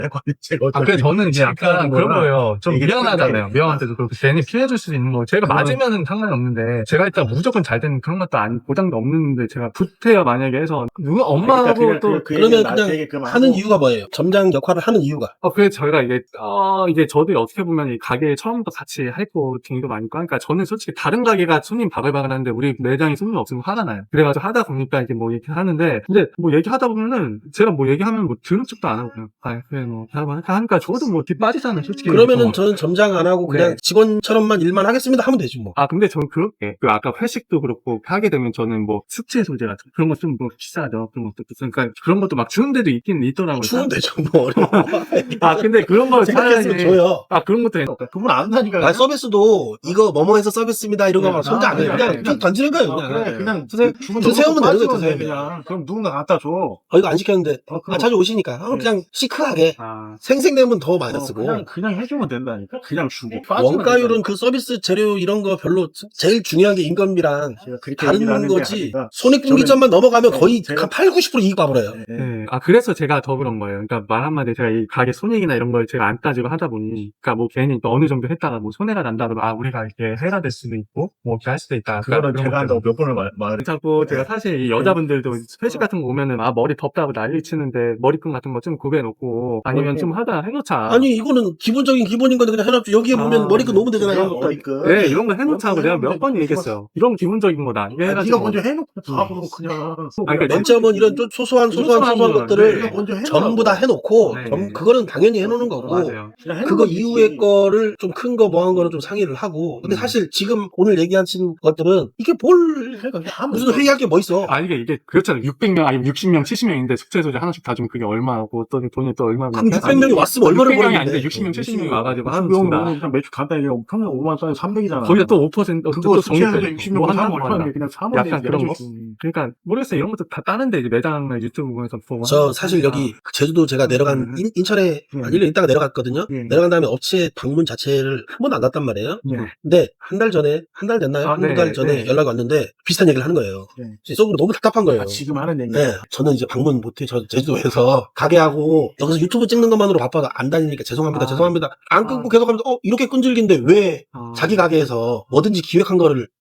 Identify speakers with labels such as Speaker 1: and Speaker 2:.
Speaker 1: 그래 저는 이제 약간 그런 거예요. 좀 미안하잖아요. 미안한데도 그렇고 괜히 피해줄 수 있는 거. 제가 맞으면은 상관이 없는데 제가 일단 무조건 잘 되는 그런 것도 아니 보장도 없는데 제가 부태야 만약에 해서 누가 엄마하고 또
Speaker 2: 그러면 그냥 하는 이유가 뭐예요? 점장 역할을 하는 이유가?
Speaker 1: 그래서 저희가 이게 저도 어떻게 보면 이 가게 처음부터 같이 할거 등도 많고 하니까 저는 솔직히 다른 가게가 손님 바글바글 하는데 우리 매장에 손님 없으면 화가 나요. 그래가지고 하다 보니까 이게 뭐 이렇게 하는데 근데 뭐 얘기하다 보면은 제가 뭐 얘기하면 뭐 들은 척도 안 하고 그냥 그래 뭐 하니까 저도 뭐 뒤 빠지잖아요 솔직히.
Speaker 2: 그러면은 저는 점장 안 하고 그냥 직원처럼만 일만 하겠습니다 하면 되지 뭐.
Speaker 1: 근데 저는 그렇게 아까 회식도 그렇고 하게 되면 저는 뭐 숙제 소재 같은 그런 거 좀 뭐 비싸죠. 그런 것도 그러니까 그런 것도 막 주는 데도 있긴 있더라고요.
Speaker 2: 주면 되죠 뭐.
Speaker 1: 근데 그런 거
Speaker 2: 생각했으면 줘요.
Speaker 1: 그런 것도
Speaker 3: 그분 안 한다니까.
Speaker 2: 서비스도 이거 뭐뭐해서 서비스입니다 이런 거만 손자 안 해요. 그냥 던지는 거예요. 그냥 드세요면 되는 거예요. 드세요.
Speaker 3: 그냥. 그럼 누군가 갖다 줘.
Speaker 2: 이거 안 시켰는데 자주 오시니까 그냥 시크하게 생생내면 더 많이 쓰고
Speaker 3: 그냥 해주면 된다니까. 그냥 주고.
Speaker 2: 원가율은 그 서비스 재료 이런 거 별로 제일 중요한 게 인건비랑 다른 거지. 손익분기점만 넘어가면 거의 한 8-90% 이익 봐버려요.
Speaker 1: 그래서 제가 더 그런 거예요. 그러니까 말 한마디 제가 이 가게 손익이나 이런 걸 제가 안 따지고 하다 보니 그러니까 뭐 괜히 또 어느 정도 했다가 뭐 손해가 난다고 우리가 이렇게 해가 될 수도 있고 뭐 이렇게 할 수도 있다.
Speaker 3: 그거는 제가 한다고 몇 번을 말해.
Speaker 1: 자꾸 제가 사실 이 여자분들도 회식 같은 거 오면은 머리 덥다고 난리 치는데 머리끈 같은 거 좀 구겨놓고 아니면 좀 하다 해놓자.
Speaker 2: 아니 이거는 기본적인 기본인 건데 그냥 해놨죠. 여기에 보면 머리끈 놓으면 되잖아요.
Speaker 1: 네, 이런 거 해놓자고 내가 몇 번 얘기했어요. 이런 기본적인 거다. 이게 해가지고.
Speaker 3: 네가 먼저 해놓고 답으로 그냥.
Speaker 2: 그러니까 맨 처음은 이런 좀 소소한 것들을 전부 다 해놓고 그거는 당연히 해놓는 거고
Speaker 1: 맞아요.
Speaker 2: 그거 이후의 거를 좀 큰 거 뭐 한 거는 좀 상의를 하고 근데 사실 지금 오늘 얘기하신 것들은 이게 무슨 회의할 게 뭐 있어.
Speaker 1: 이게 그렇잖아요. 600명 아니면 60명 70명인데 숙제 소재 하나씩 다 주면 그게 얼마고 또 돈이 또 얼마나.
Speaker 2: 그럼 600명이 왔으면 얼마를
Speaker 1: 600명이
Speaker 2: 벌었는데
Speaker 1: 아닌데 60명 70명이 와가지고 하는
Speaker 3: 그냥 매출 간단히 평균 5만 원짜리 300이잖아.
Speaker 1: 거기다 또 5%
Speaker 3: 그거
Speaker 1: 또
Speaker 3: 숙제해서
Speaker 1: 정립돼.
Speaker 3: 60명 사면 얼마나 그냥 사면
Speaker 1: 약간 그런 거. 그러니까 모르겠어요. 이런 것도 다 다른데 이제 매장을 유튜브 보면서 보고.
Speaker 2: 저 사실 여기 제주도 제가 내려간 인천에 1년 있다가 내려갔거든요. 내려간 다음에 업체 방문 자체를 한 번도 안 갔단 말이에요. 근데 한 달 됐나요? 한 달 전에 연락이 왔는데 비슷한 얘기를 하는 거예요. 속으로 너무 답답한 거예요.
Speaker 3: 지금 하는 얘기.
Speaker 2: 저는 이제 방문 못해. 저 제주도에서 가게하고 여기서 유튜브 찍는 것만으로 바빠서 안 다니니까 죄송합니다. 안 끊고 계속 하면서 이렇게 끈질긴데 왜 자기 가게에서 뭐든지 기획한 거를